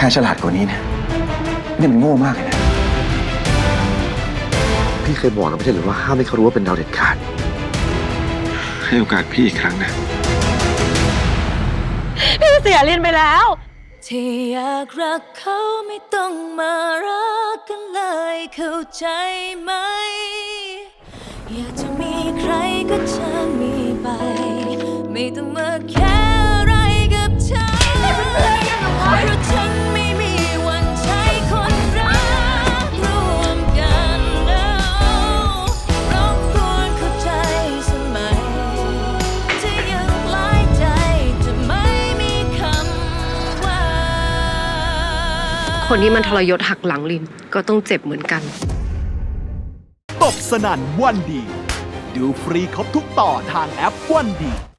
รฉลาดกว่านี้นะนี่มันโง่มากเลยนะพี่เคยบอกแล้วไม่ใช่หรือว่าห้ามให้เขารู้ว่าเป็นเราเด็ดขาดให้โอกาสพี่อีกครั้งนะพี่เสียเรียนไปแล้วที่อยากรักเขาไม่ต้องมารักกันเลยเข้าใจไหมอยากจะมีใครก็ช่างมีไปไม่ต้องมาแค่อะไรกับฉันเพราะฉันไม่มีวันใช้คนรักร่วมกันรบกวนเข้าใจสมัยที่ยังหลายใจจะไม่มีคำว่าคนที่มันทรยศหักหลังลินก็ต้องเจ็บเหมือนกันตบสนั่นวันดี ดูฟรีครบทุกต่อทางแอปวันดี